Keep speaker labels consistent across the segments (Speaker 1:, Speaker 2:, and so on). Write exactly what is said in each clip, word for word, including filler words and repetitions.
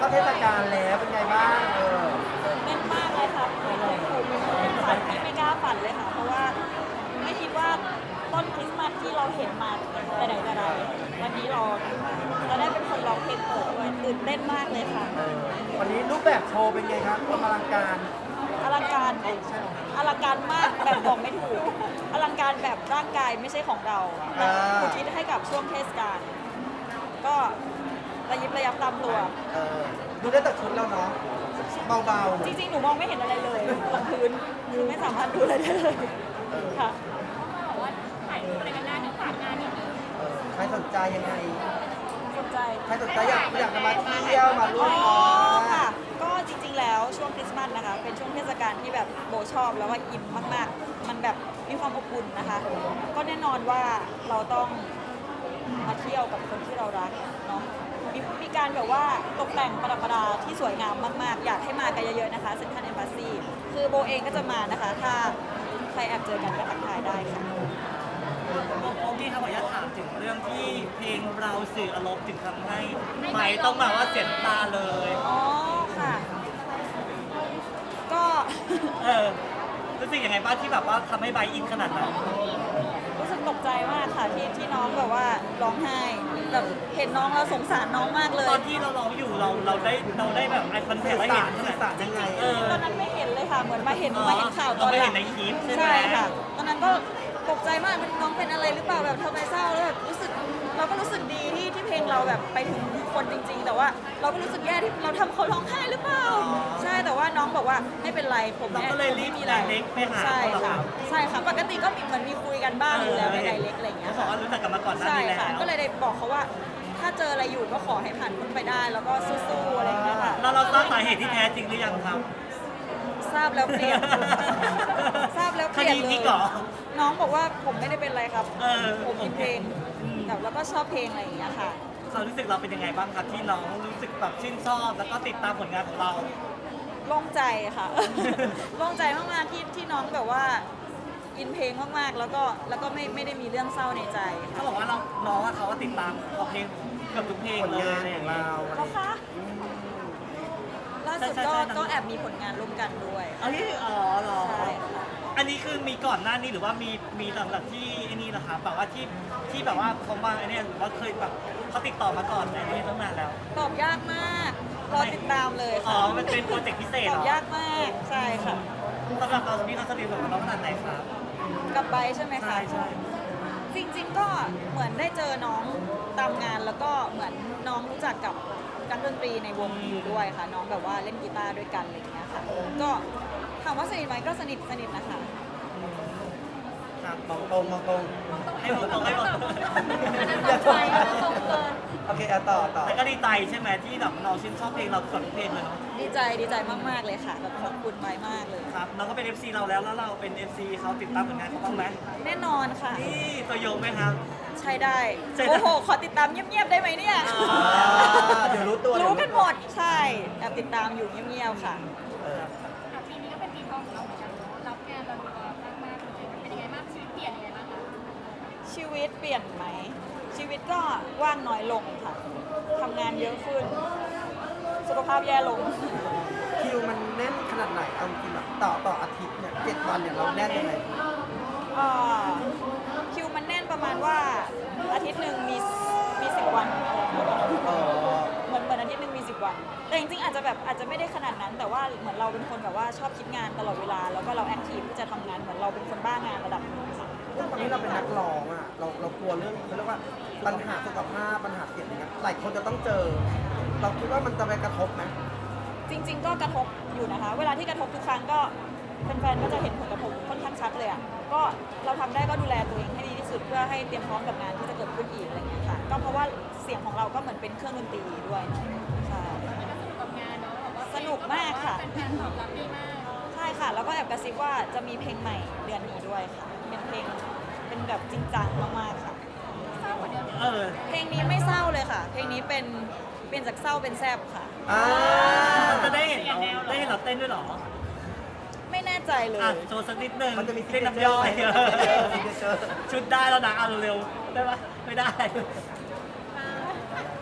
Speaker 1: เทศกาลแล้วเป็นไงบ้างเออ
Speaker 2: เต้นมากเลยค่ะไม่เคยถูกเป็นฝันที่ไม่กล้าฝันเลยค่ะ เพราะว่าไม่คิดว่าต้นคริสต์มาสที่เราเห็นมาแต่ไหนแต่ไรวันนี้เราจะได้เป็นคนร้องเพลงเปิดด้วยตื่นเต้นมากเลยค่ะ
Speaker 1: เออวันนี้รูปแบบโชว์เป็นไงครับความอลังการ
Speaker 2: อลังการอลังการมากแบบบอกไม่ถูกอลังการแบบร่างกายไม่ใช่ของเราแต่อุทิศให้กับช่วงเทศกาลก็ระยิบระยับตามตัว
Speaker 1: เออดูได้แต่ชุดแล้วเนาะเบา
Speaker 2: จริงๆ หนูมองไม่เห็นอะไรเลยบนพื้นคือไม่สามารถดูอะไรได้เลยค่ะ
Speaker 3: บอกว่าถ่ายรูปอะไรกันได้เดี๋ยวฝากงานนิดนึง
Speaker 1: ๆเออใครสนใจยังไง
Speaker 2: สนใจ
Speaker 1: ใครสนใจอยากอยากจะมาเที่ยวมาร่ว
Speaker 2: อ๋
Speaker 1: ม
Speaker 2: อง
Speaker 1: าน
Speaker 2: ค่ะ ก็จริงๆ แล้วช่วงคริสต์มาสนะคะ เป็นช่วงเทศกาลที่แบบโบชอบแล้วว่าอินมากๆ มันแบบมีความอบอุ่นนะคะ ก็แน่นอนว่าเราต้องมาเที่ยวกับคนที่เรารักเนาะ มีมีการแบบว่าตกแต่งประดับประดาที่สวยงามมากๆ อยากให้มากันเยอะๆ นะคะเซ็นทรัลเอมบาซีคือโบเองก็จะมานะคะ ถ้าใครแอบเจอกันก็ทักทายได้ค่ะ
Speaker 4: โอเคครับขออนุญาตถามถึงเรื่องที่เพลงเราสื่ออารมณ์ถึงทำให้ไม้ต้องแบบว่าเสียน้ำตาเลย
Speaker 2: อ๋อค่ะ ก็
Speaker 4: เออรู้สึกยังไงบ้างที่แบบว่าทำให้ไบร์ทอินขนาดนั้น
Speaker 2: รู้สึกตกใจมากค่ะที่ที่น้องแบบว่าร้องไห้แบบเห็นน้องแล้วสงสารน้องมากเลย
Speaker 4: ตอนที่เราร้องอยู่เราเราได้เราได้แบบไอคอนแทค
Speaker 1: สื่อ
Speaker 4: แล้ว
Speaker 1: สา
Speaker 4: เห็
Speaker 1: ร
Speaker 4: น
Speaker 1: สื่อสารยังไง
Speaker 4: เออ
Speaker 2: ตอนนั้นไม่เห็นเลยค่ะ เหมือนมาเห็น
Speaker 4: อ๋อ
Speaker 2: มาเห็นข่าวตอนหลัง
Speaker 4: เราไม่เห็นในคลิปใช่ไหม
Speaker 2: ใช่ค่ะ ตอนนั้นก็ตกใจมากมันน้องเป็นอะไรหรือเปล่าแบบทำไมเศร้าแล้วแบบรู้สึกเราก็รู้สึกดีที่ที่เพลงเราแบบไปถึงคนจริง ๆ แต่ว่าเราก็รู้สึกแย่ที่เราทำเขาร้องไห้หรือเปล่า ใช่แต่ว่าน้องบอกว่าไม่เป็นไรผม
Speaker 4: เรา
Speaker 2: แอบ
Speaker 4: ก็เลย
Speaker 2: ผม
Speaker 4: รี
Speaker 2: ไม่
Speaker 4: บ
Speaker 2: มี
Speaker 4: ได
Speaker 2: อะไร
Speaker 4: เรกไปหา
Speaker 2: ใช่
Speaker 4: เขาเหรอ
Speaker 2: ค่ะ
Speaker 4: รับ
Speaker 2: ใช่ค่ะปกติก็มีเหมือนมีคุยกันบ้างอยู่แล้วในไดเรกอะไรอย่างเงี้ย
Speaker 4: เขาบอ
Speaker 2: ค่ะ
Speaker 4: กว่ารู้จักกันมาก่อนหน้า
Speaker 2: ใช่
Speaker 4: นี้แล้
Speaker 2: ค่ะ
Speaker 4: ว
Speaker 2: ก็เลยได้บอกเขาว่าถ้าเจออะไรอยู่ก็ขอให้ผ่านพ้นไปได้ แล้วก็สู้ๆอะไรอย่างเงี้ยค่ะ
Speaker 4: แล้วเราทราบสาเหตุที่แท้จริงหรือยังครับ
Speaker 2: ทราบแล้วเปลี่ยน ทราบแล้วเปลี่ยน
Speaker 4: คดี
Speaker 2: เล
Speaker 4: พลิ
Speaker 2: ย
Speaker 4: กเหรอ
Speaker 2: น้องบอกว่าผมไม่ได้เป็นไรครับ
Speaker 4: เออ
Speaker 2: ผมอินเพลง
Speaker 4: อืม
Speaker 2: แบบแล้วก็ชอบเพลงอะไรอย่างเงี้ยค่ะ
Speaker 4: ความรู้สึกเราเป็นยังไงบ้างครับที่น้องรู้สึกแบบชื่นชอบแล้วก็ติดตามผลงานของเรา
Speaker 2: โล่งใจค่ะ โล่งใจมากๆที่ที่น้องแบบว่าอินเพลงมากๆ แล้วก็แล้วก็ไม่ไม่ได้มีเรื่องเศร้าในใจ
Speaker 4: เขา
Speaker 2: ค่ะ
Speaker 4: บอกว่าเราน้องอะเขาก็ติดตามเอาเพลงเกือบทุกเพลง
Speaker 1: ผล
Speaker 4: เลย
Speaker 1: งาน
Speaker 4: อะไรอ
Speaker 1: ขอย่าง
Speaker 4: งเงี้ย
Speaker 1: เรา
Speaker 2: เขาคะล่าสุด
Speaker 4: ใช่
Speaker 2: ก็
Speaker 4: ใช่ใช่
Speaker 2: ก็แอบมีผลงานร่วมกันด้วย
Speaker 4: เอ้ยอ๋อเหรอ
Speaker 2: ใช่ค่ะ
Speaker 4: อันนี้คือมีก่อนหน้านี้หรือว่ามีมีหลังจากที่ไอ้นี่นะคะแบบว่าที่ที่แบบว่าเขามาไอ้เนี่ยหรือว่าเคยแบบเขาติดต่อมาก่อนในนี้ตั้งนานแล้ว
Speaker 2: ตอบยากมาก รอติดตามเลย
Speaker 4: อ๋อ
Speaker 2: ค่ะ
Speaker 4: มันเป็นโปรเจกต์พิเศษ
Speaker 2: ต
Speaker 4: เห
Speaker 2: อ
Speaker 4: ร
Speaker 2: บ
Speaker 4: อย
Speaker 2: ากมากใช่ค่ะ
Speaker 4: สำหรับเราพี่เขาสนิทกับเราขนาดไหนครับ
Speaker 2: กับไบร์ทใช่ไหมคะ
Speaker 4: ใช่ใช่
Speaker 2: จริงๆก็เหมือนได้เจอน้องตามงานแล้วก็เหมือนน้องรู้จักกับนักดนตรีในวงอยู่ด้วยค่ะ น้องแบบว่าเล่นกีตาร์ด้วยกันอะไรอย่างเงี้ยค่ะ ก็ถามว่าสนิทไหมก็สนิทสนิทนะคะ
Speaker 4: ครับ
Speaker 1: มองตรงมองตรง
Speaker 4: ให้บอกตรงให้บอกตรง
Speaker 1: อย่าตรงโอเคเอาต่อต่อ
Speaker 4: แต่ก็ดีใจใช่ไหมที่แบบน้องชื่นชอบเพลงเราเกือบทุกเพลงเลยเนาะ
Speaker 2: ดีใจดีใจมากๆเลยค่ะแบบขอบคุณไบร์ทมากเลย
Speaker 4: ครับน้องก็เป็น เอฟ ซี เราแล้วแล้วเราเป็น เอฟ ซี เขาติดตามผลงานเขาบ้างไหม
Speaker 2: แน่นอนค่ะ
Speaker 4: นี่ตัวยงไหมครับ
Speaker 2: ใช่ได้
Speaker 4: ใช่ได้
Speaker 2: โอ้โห ขอติดตามเงียบๆได้ไหมเนี่ย
Speaker 4: อ่า
Speaker 1: อ่าเดี๋ยวรู้ตัว
Speaker 2: รู้
Speaker 1: เยว
Speaker 2: กันหมด ใช่แอบติดตามอยู่เงียบๆค่ะ
Speaker 1: เออ
Speaker 3: อ่ะปีนี้ก็เป็นปีทองของเราเหมือนกันเนอะรับงานเราดูมากๆเลยเป็นยังไงบ้างชีวิตเปลี่ยนยังไงบ้างคะ
Speaker 2: ชีวิตเปลี่ยนไหม ชีวิตก็ว่างน้อยลงค่ะ ทำงานเยอะขึ้น สุขภาพแย่ลง
Speaker 1: คิวมันแน่นขนาดไหนเอาจริงๆแบบต่อต่ออาทิตย์เนี่ยเจ็ดวันเนี่ยเราแน่นยังไง
Speaker 2: อ่าคิวมันแน่นประมาณว่าอาทิตย์หนึ่งมีมีสิบวัน
Speaker 1: เออ
Speaker 2: เหมือนเหมือนอาทิตย์หนึ่งมีสิบวัน แต่จริงๆอาจจะแบบอาจจะไม่ได้ขนาดนั้น แต่ว่าเหมือนเราเป็นคนแบบว่าชอบคิดงานตลอดเวลา แล้วก็เราแอคทีฟที่จะทำงานเหมือนเราเป็นคนบ้างานระดับหนึงค่ะ
Speaker 1: ด้วยความที่เราเป็นนักร้องอ่ะเราเรากลัวเรื่องเขาเรียกว่าปัญหาสุขภาพปัญหาเสียงอย่างเงี้ยหลายคนจะต้องเจอ เราคิดว่ามันจะไปกระทบไหม
Speaker 2: จริง ๆ ก็กระทบอยู่นะคะ เวลาที่กระทบทุกครั้งก็แฟนๆก็จะเห็นผลกระทบค่อนข้างชัดเลยอ่ะ ก็เราทำได้ก็ดูแลตัวเองให้ดีที่สุดเพื่อให้เตรียมพร้อมกับงานที่จะเกิดขึ้นอีกอะไรเงี้ยค่ะ ก็เพราะว่าเสียงของเราก็เหมือนเป็นเครื่องดนตรีด้วยเนาะใช่
Speaker 3: ก็สนุกกับงานเนาะแบบว่า
Speaker 2: สนุกมากค่ะ
Speaker 3: เป็นแฟนตอบรับดีมาก
Speaker 2: ใช่ค่ะ แล้วก็แอบกระซิบว่าจะมีเพลงใหม่เดือนนี้ด้วยค่ะ เป็นเพลงเป็นแบบจริงจังมากๆค่ะ
Speaker 3: เศร้ากว่าเดิม
Speaker 4: เออ
Speaker 2: เพลงนี้ไม่เศร้าเลยค่ะ เพลงนี้เป็นเปลี่ยนจากเศร้าเป็นแซบค่ะ
Speaker 1: อ่า
Speaker 4: จะได้เห็นเราได้เห็นเราเต้นด้วยเหรอ
Speaker 2: ไม่แน่ใจเลย
Speaker 4: อ่ะโชว์สักนิดนึง
Speaker 1: มันจะมี
Speaker 4: เต้นน้ำย่อย
Speaker 1: ซิกเนเจอร์ซิกเนเจอร์
Speaker 4: ชุดได้แล้วนะเอาเร็วๆได้ปะไม่ได้
Speaker 1: เอ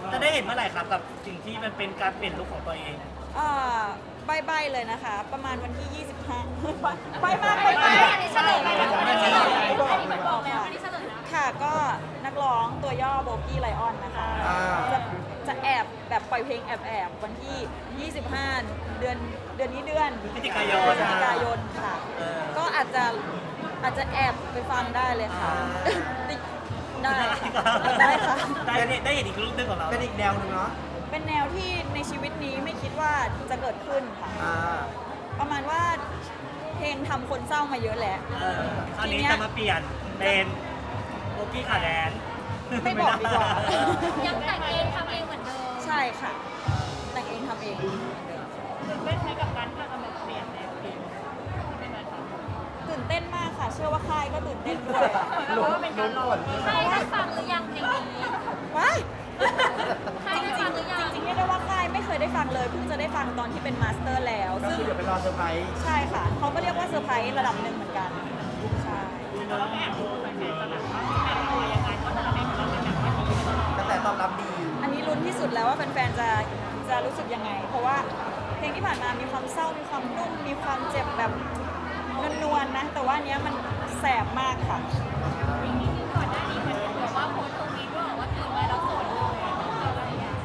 Speaker 4: จะได้เห็นเมื่อไหร่ครับกับสิ่งที่มันเป็นการเปลี่ยนลุคของตัวเอง
Speaker 2: อ่าใบๆเลยนะคะ ประมาณวันที่ ยี่สิบห้า ใบมาก
Speaker 3: ไป
Speaker 2: ใบ
Speaker 3: ไป
Speaker 2: มาก
Speaker 3: อันนี้เฉลยไปแล้วอันนี้เฉลยอันนี้บอกแล้วอันนี้เฉลยแล้ว
Speaker 2: ค่ะก็นักร้องตัวย่อโบกี้ไลออนนะคะ
Speaker 1: อ่า
Speaker 2: จะจะแอบแบบปล่อยเพลงแอบแอบๆวันที่ ยี่สิบห้า เดือนเดือนนี้เดือน
Speaker 4: พฤศจิกายน
Speaker 2: พฤศจิกายนค่ะ
Speaker 4: เออ
Speaker 2: ก็อาจจะอาจจะแอบไปฟังได้เลยค่ะ ได้ค่ะได้ค่ะ
Speaker 4: ได้เนี่ยได้เห็นอีกลุคนึงของเรา
Speaker 1: เป็นอีกแนวหนึ่งเนาะ
Speaker 2: เป็นแนวที่ในชีวิตนี้ไม่คิดว่าจะเกิดขึ้นค่ะ
Speaker 1: อ่า
Speaker 2: ประมาณว่าเพลงทำคนเศร้ามาเยอะแหละ
Speaker 4: เออคราวนี้จะมาเปลี่ยนเป็นโบกี้ขาแดน
Speaker 2: ไม่บอกดีกว่า
Speaker 3: ยังแต่งเองทำเองเหมือนเดิม
Speaker 2: ใช่ค่ะ แต่งเองทำเอง
Speaker 3: ตื่นเต้นไหมกับการที่เราจะมาเปลี่ยนแนวเพลงเป็นอะไรคะ
Speaker 2: ตื่นเต้นมากค่ะ เชื่อว่าค่ายก็ตื่นเต้นด้วย
Speaker 3: แล้วก็เป็นการลองใครได้ฟังหรือยังเพลงนี้
Speaker 2: ว้าย
Speaker 3: ใครได้ฟังหรือยัง
Speaker 2: จริงๆเรียกได้ว่าค่ายไม่เคยได้ฟังเลยเพิ่งจะได้ฟังตอนที่เป็นมาสเตอร์แล้ว
Speaker 1: ก็
Speaker 2: ซึ่ง
Speaker 1: คือเดี๋ยวไปรอเซอร์ไพรส์
Speaker 2: ใช่ค่ะ เขาก็เรียกว่าเซอร์ไพรส์ระดับหนึ่งเหมือนกัน ใช่
Speaker 3: แล้วแอบดูแฟนๆจะแบบว่าเป็นอะไรยังไงเพราะแต่ละเพลงของเราเป็นแบบว่าดี
Speaker 1: กระแสตอบรับดี
Speaker 2: อันนี้ลุ้นที่สุดแล้วว่าแฟนๆจะจะรู้สึกยังไง เพราะว่าเพลงที่ผ่านมามีความเศร้า มีความนุ่ม มีความเจ็บแบบนวลๆนะ แต่ว่าอันเนี้ยมันแสบมากค่ะ
Speaker 3: ก่อนหน้านี้เหมือนแบบว่าโพสต์ตรงนี้ด้วยว่าตื่นมาแล้วโสดเลยอะไรอย่างเงี้ย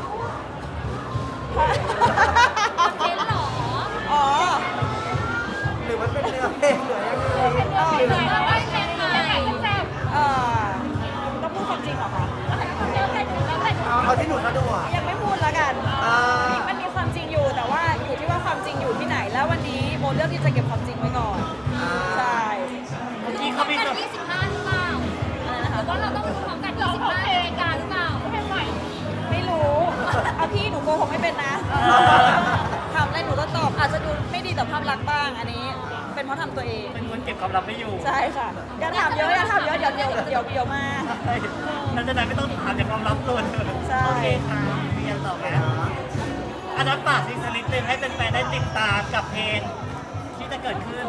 Speaker 3: เป็นหรอ
Speaker 2: อ๋อ
Speaker 1: หรือมันเป็นเนื้อเพลงหรือยังไง
Speaker 2: เออ
Speaker 3: เหมือนว่าเพลงใหม่แซ่บ
Speaker 2: เออต้องพูดความจริงเหรอคะ
Speaker 3: เดี๋ยวแต่ดูแล้วแต่ดู
Speaker 1: เอาเอาที่หนูสะดวก
Speaker 2: ยังไม่พูดแล้วกัน
Speaker 1: อ่า
Speaker 2: มันมีความจริงอยู่แต่ว่าอยู่ที่ว่าความจริงอยู่ที่ไหน แล้ววันนี้โบเลือกที่จะเก็บความจริงไว้ก่อน
Speaker 1: อ่า
Speaker 2: ใช่
Speaker 4: เมื่อกี้
Speaker 3: พร้
Speaker 4: เขา
Speaker 3: อม
Speaker 4: มี
Speaker 3: กัน
Speaker 4: แบบ
Speaker 3: ยี่สิบห้าหรือเปล่า
Speaker 2: อะไรนะ
Speaker 3: ห
Speaker 2: คะ
Speaker 3: รือว่าเราต้องดูพร้อมกันยี่สิบห้านาฬิกาหรือเปล่าเพลงใหม่
Speaker 2: ไม่รู้เอาพี่หนูโกหกไม่เป็นนะถามอะไรหนูก็ตอบอาจจะดูไม่ดีต่อภาพลักษณ์บ้างอันนี้ เป็นเพราะทำตัวเอง
Speaker 4: เป็นคนเก็บความลับไม่อยู่
Speaker 2: ใช่ค่ะอย่าถามเยอะอย่าถามเยอะเดี๋ยวเดี๋ยวเดี๋ยวเดี๋ยวมา
Speaker 4: นั่นจะไหนไม่ต้องถามจากความลับเลย
Speaker 2: ใช่
Speaker 4: โอเคค่ะมีอย่างต่อไหมอันนั้นฝากซิงสลิปหนึ่งให้แฟนๆได้ติดตามกับเพลงที่จะเกิดขึ้น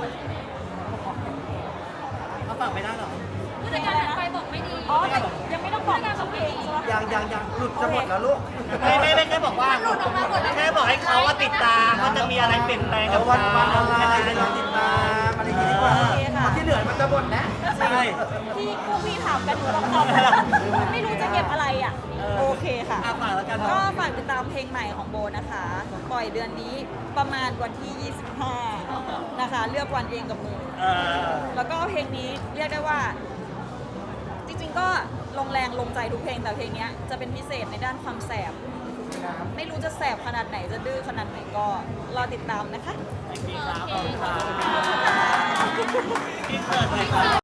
Speaker 4: เขาฝากไม่ได้หรอ
Speaker 3: ผู้จัดการถัดไปบอกไม่ดี
Speaker 2: อ๋อแต่ยังไม่ต้องบอกชื่อเพลงใช่ไหม
Speaker 1: ยังยังยังหลุดจะหมดแล้วลูก
Speaker 4: ไม่ไม่ไม่แค่บอกว่าแค่บอกให้เขาว่าติดตามว่าจะมีอะไรเปลี่ยนแปลง
Speaker 1: เดี๋
Speaker 4: กั
Speaker 1: ย
Speaker 4: บ
Speaker 1: ววัน
Speaker 4: เขา
Speaker 1: วันอะไรให้เราติดตามอะไรอย่างงี้ดีกว่า
Speaker 2: โอเคค่ะ
Speaker 1: ที่เหลือมันจะหมดนะ
Speaker 4: ใช่
Speaker 2: ที่พวกพี่ถามกันหนูต้องตอบไม่รู้จะเก็บอะไรอ่ะโอเคค่ะ
Speaker 4: อ่ะฝากแล้วกัน
Speaker 2: ก็ฝากติดตามเพลงใหม่ของโบนะคะ ปล่อยเดือนนี้ประมาณวันที่ ยี่สิบห้า นะคะ เลือกวันเองกับมือ
Speaker 4: เออ
Speaker 2: แล้วก็เพลงนี้เรียกได้ว่า จริงๆก็ลงแรงลงใจทุกเพลงแต่เพลงเนี้ยจะเป็นพิเศษในด้านความแสบ ไม่รู้จะแสบขนาดไหนจะดื้อขนาดไหนก็รอติดตามนะคะ
Speaker 4: โอเคครับขอบคุณครับพี่เกิดเลยครับ